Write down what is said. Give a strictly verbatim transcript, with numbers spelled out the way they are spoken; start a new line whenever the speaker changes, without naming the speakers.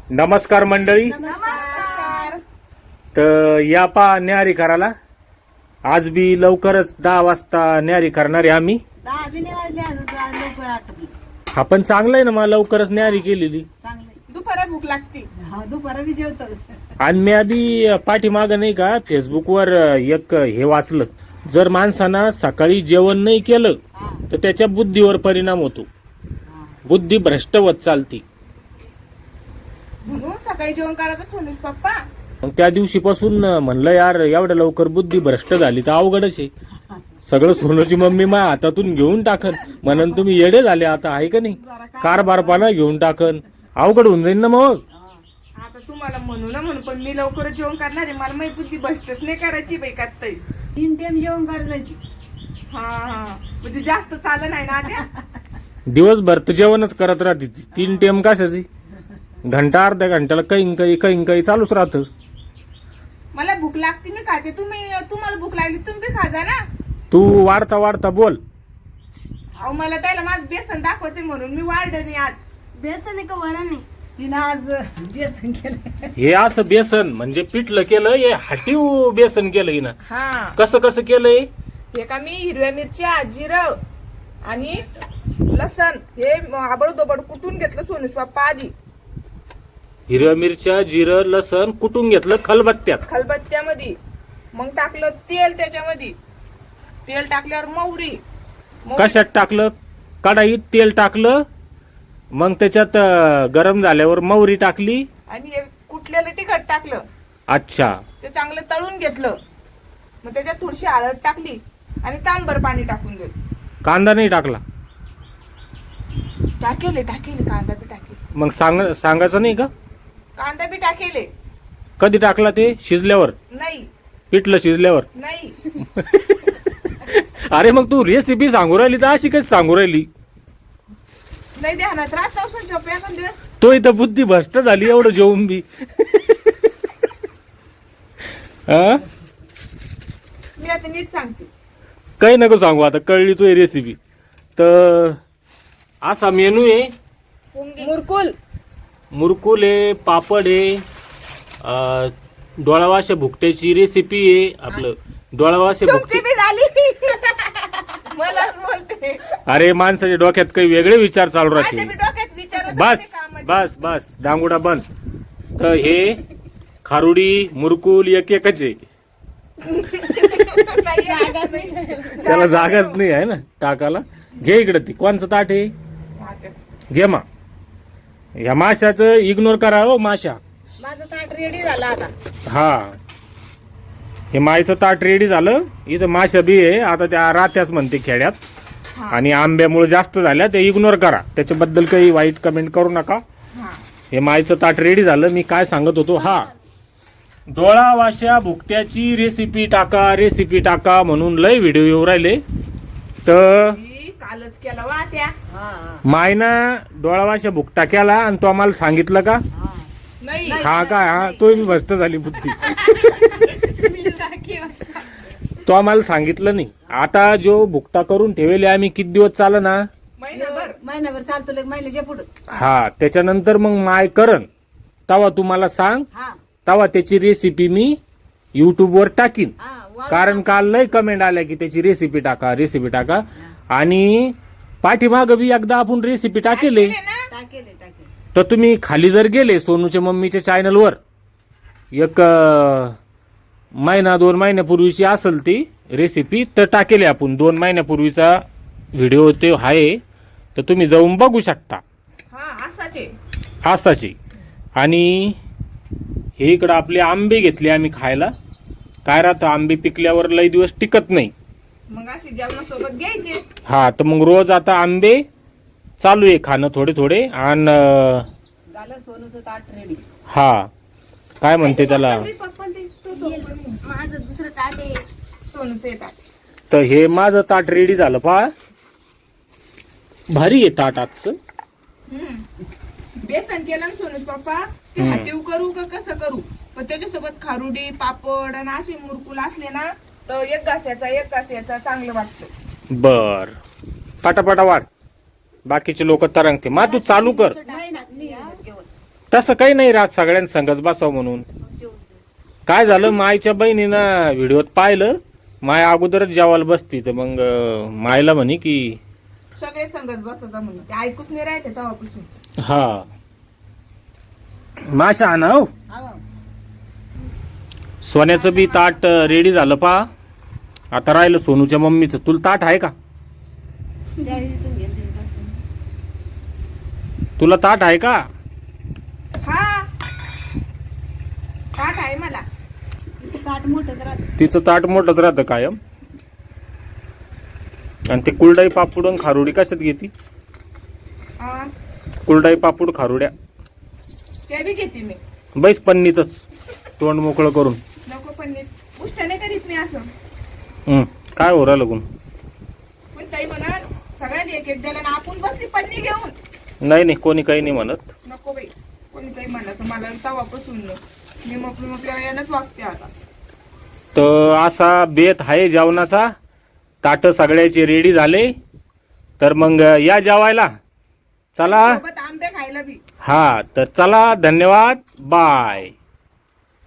नमस्कार मंडळी.
नमस्कार.
तर या पा न्यारी करायला आज बी लवकरच दहा वाजता न्यारी करणार आहे आम्ही.
दहा बी नाही वाजले अजून, आज लवकर आटपली.
हा पण चांगलं आहे ना, मला लवकरच न्यारी केलेली.
चांगलं
दुपारा भूक लागते.
हा दुपारा बी जेवतो.
आणि मी बी पाठीमाग नाही का फेसबुकवर एक हे वाचलं, जर माणसानं सकाळी जेवण नाही केलं
हा
तर त्याच्या बुद्धीवर परिणाम होतो,
हा.
बुद्धी भ्रष्ट होत चालती.
म्हणून सकाळी जेवण करायचं सोनूस पप्पा.
मग त्या दिवशीपासून म्हणलं यार एवढ्या लवकर बुद्धी भ्रष्ट झाली तर अवघडच आहे. सगळं सोनूची मम्मी मा हातातून घेऊन टाकन, म्हणून तुम्ही येडे झाले आता, आहे का नाही, कारभारपणा घेऊन टाकन, अवघड होऊन जाईल ना मग.
आता तुम्हाला म्हणू ना म्हणून, पण मी लवकर जेवण करणार आहे. मला माहिती बुद्धी बसतच नाही करायची बाई कात ताई.
तीन टाइम जेवण करायचं.
हा हा म्हणजे जास्त चालत नाही ना त्या.
दिवसभर तर जेवणच करत राहते ती. तीन टेम कशाची, घंटा अर्ध्या घंट्याला काही काही काही काही चालूच राहतं.
मला भूक लागते मी खाते. तुम्ही तुम्हाला भूक लागली तुम्ही खा जा ना.
तू वाढता वाढता बोल.
अहो मला त्याला माझं बेसन दाखवायचंय म्हणून मी वाढलं नाही आज.
बेसन आहे का वरण आहे?
तिनं आज बेसन केलं.
हे असं बेसन म्हणजे पिठलं केलं, हे हाटीव बेसन केलं हिनं.
हा
कसं कसं केलंय?
हे का मी हिरव्या मिरच्या, जिरं आणि लसण हे आबड दोबड कुटून घेतलं सोनूस पप्पा आधी.
हिरव्या मिरच्या, जिरं, लसण कुटून घेतलं खलबत्त्यात.
खलबत्त्यामध्ये. मग टाकलं तेल त्याच्यामध्ये. तेल टाकल्यावर मोहरी. मोहरी-
कशात टाकलं? कढाईत तेल टाकलं, मग त्याच्यात अं, गरम झाल्यावर मोहरी टाकली.
आणि हे कुटलेलं तिखट टाकलं.
अच्छा,
ते चांगलं तळून घेतलं. मग त्याच्यात थोडीशी हळद टाकली आणि तांबर पाणी टाकून दिलं.
कांदा नाही टाकला?
टाकेले टाकेले कांदा बी टाकेले.
मग सांग सांगायचं नाही का?
कांदा बी टाकेले.
कधी टाकला ते? शिजल्यावर?
नाही
पिठलं शिजल्यावर?
नाही.
अरे मग तू रेसिपी सांगू राहिली तर अशी कशी सांगू राहिली?
नाही ध्यानात राहत नवसन झोप एखाद दिवस.
तो इथं बुद्धी भ्रष्ट झाली एवढं जेवून बी. हा?
मी आता नीट सांगते.
काही नको सांगू, आता कळली तू रेसिपी. तर असा मेनू आहे.
मुरकुल.
मुरकुल आहे, पापड आहे, अं, डोळावाशा भुकट्याची रेसिपी आहे. आपलं डोळावाशा
तुमची
भुकटे.
बी झाली. मलाच बोलते.
अरे माणसाच्या डोक्यात काही वेगळे विचार चालू
माझ्या
राहते.
बी डोक्यात विचार होते
बस
ते कामाचे.
बस बस दांगुडा बंद. तर हे खारुडी मुरकुल एक एकच आहे,
नाही आहे.
त्याला जागाच नाही आहे ना टाकाला. घे इकडे ती कोणचं ताट आहे,
माझ्याच.
घे मा. ह्या माशाचं इग्नोर करा हो माशा.
माझं ताट रेडी झालं आता.
हा, हे मायचं ताट रेडी झालं. इथं माशा बी आहे. आता त्या रात्याच म्हणते खेड्यात,
हा.
आणि आंब्यामुळे जास्त झाल्या ते इग्नोर करा, त्याच्याबद्दल काही वाईट कमेंट करू नका.
हा.
हे मायचं ताट रेडी झालं. मी काय सांगत होतो, हा डोळावाशा भुकट्याची रेसिपी टाका, रेसिपी टाका म्हणून लय व्हिडिओ येऊ राहिले. तर
मी कालच केला वा त्या.
हा हा
मायना डोळावाशा भुकटा केला आणि तो आम्हाला सांगितलं का?
हा.
नाही.
हा काय, हा तो मी भ्रष्ट झाली बुद्धी. तो आम्हाला सांगितलं नाही. आता जो भुकटा करून ठेवले आम्ही किती दिवस चाल ना,
महिनाभर.
महिनाभर चालतो लग महिन्याच्या पुढं.
हा त्याच्यानंतर मग माय करण तवा तुम्हाला सांग,
हा
तवा त्याची रेसिपी मी युट्यूबवर टाकीन.
हा वाढ-
कारण काल लय कमेंट आल्या की त्याची रेसिपी टाका, रेसिपी टाका. आणि पाठीमाग बी एकदा आपण रेसिपी टाकेले.
केले ना?
टाकेले टाकेले.
तर तुम्ही खाली जर गेले सोनूच्या मम्मीच्या चॅनलवर, एक अं, महिना दोन महिन्यापूर्वीची असेल ती रेसिपी, तर टाकेली आपण. दोन महिन्यापूर्वीचा व्हिडिओ ते आहे, तर तुम्ही जाऊन बघू शकता.
हा असाचे.
आसाची. आणि हे इकडं आपले आंबे घेतले आम्ही खायला. काय राहतं, आंबे पिकल्यावर लई दिवस टिकत नाही.
मग अशी जेवणासोबत घ्यायचे.
हा, तर मग रोज आता आंबे चालू आहे खाणं थोडे थोडे. आणि अं,
झालं सोनूचं ताट रेडी.
हा काय म्हणते त्याला,
पप्पा ते तो तो
माझं दुसरं ताट आहे.
सोनूचं येतात.
तर हे माझं ताट रेडी झालं. पहा भारी आहे ताट आजचं.
बेसन केलं ना सोनूस पप्पा. ते
हम्म.
हाटीव करू का कसं करू, पण त्याच्यासोबत खारुडी, पापड आणि असे मुरकुल असले ना तर एक घास्याचा एक घास्याचा चांगलं वाटतं.
बर, पटापटा वाढ. बाकीचे लोक तरंगते. मा तू चालू कर.
नाही ना मी जेवण.
तसं काही नाही राहत, सगळ्यांना संगच बसावं म्हणून.
मग जेवून घेऊ.
काय झालं, मायच्या बहिणीनं व्हिडिओत पाहिलं, माय अगोदरच जेवायला बसती, तर मग अं, मायला म्हणे की
सगळे संगच बसायचा म्हणून ते ऐकूच नाही राहिले तेव्हापासून.
हा माशा आणा हो.
हा भाऊ.
सोन्याचं बी ताट रेडी झालं पा. आता राहिलं सोनूच्या मम्मीचं. तुला ताट आहे का?
त्या इथून घेऊन दे बसून.
तुला ताट आहे का?
हा ताट आहे मला.
तिचं ताट मोठंच राहतं.
तिचं ताट मोठंच राहतं कायम. आणि ते कुलडाई पापूड आणि खारुडी कशात घेती?
हा,
कुलडाई पापूड खारुड्या
ते बी घेते मी.
बैस पन्नीतच तोंड मोकळं करून.
नको पण उष्ट नाही करीत मी असं.
हं, काय हो राहिलं कोण?
पण ताई म्हणा सगळ्यांनी एक एक द्यायला ना आपण बसली पन्नी घेऊन.
नाही नाही, कोणी काही नाही म्हणत.
नको बाई कोणी काही म्हणायचं मला तवापासून मी मोकळी मोकळ्या यानंच वागते आता.
तर असा बेत आहे जेवणाचा. ताट सगळ्याचे रेडी झाले, तर मग या जेवायला. चला.
सोबत आंबे खायला बी.
हा तर चला, धन्यवाद, बाय.